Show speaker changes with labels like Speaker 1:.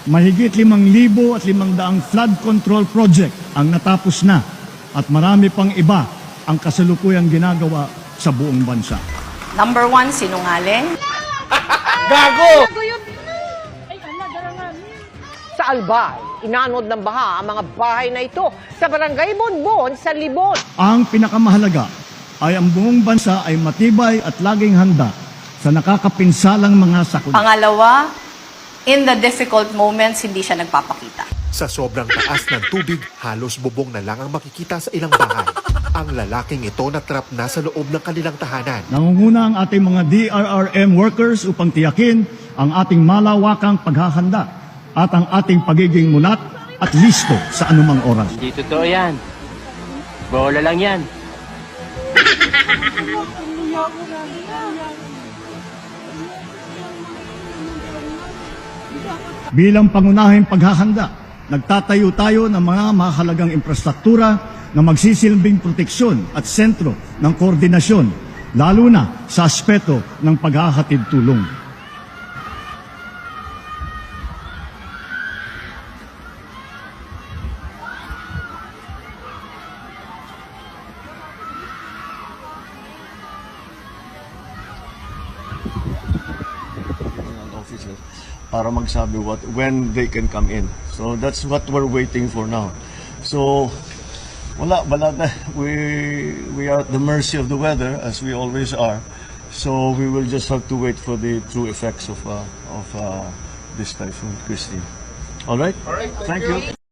Speaker 1: Mahigit 5,500 flood control project ang natapos na at marami pang iba ang kasalukuyang ginagawa sa buong bansa.
Speaker 2: Number 1, sinungaling.
Speaker 3: Gago! Sa Albay, inanod ng baha ang mga bahay na ito sa barangay Bonbon sa Libon.
Speaker 1: Ang pinakamahalaga ay ang buong bansa ay matibay at laging handa sa nakakapinsalang mga sakuna.
Speaker 2: Pangalawa, in the difficult moments, hindi siya nagpapakita.
Speaker 4: Sa sobrang taas ng tubig, halos bubong na lang ang makikita sa ilang bahay. Ang lalaking ito natrap na sa loob ng kanilang tahanan.
Speaker 1: Nangunguna ang ating mga DRRM workers upang tiyakin ang ating malawakang paghahanda at ang ating pagiging mulat at listo sa anumang oras.
Speaker 5: Hindi totoo yan. Bola lang yan.
Speaker 1: Bilang pangunahing paghahanda, nagtatayo tayo ng mga mahalagang infrastruktura na magsisilbing proteksyon at sentro ng koordinasyon, lalo na sa aspeto ng paghahatid tulong.
Speaker 6: Officer para magsabi when they can come in. So that's what we're waiting for now. So wala we are at the mercy of the weather as we always are. So we will just have to wait for the true effects of this typhoon, Christine. All right? Thank you.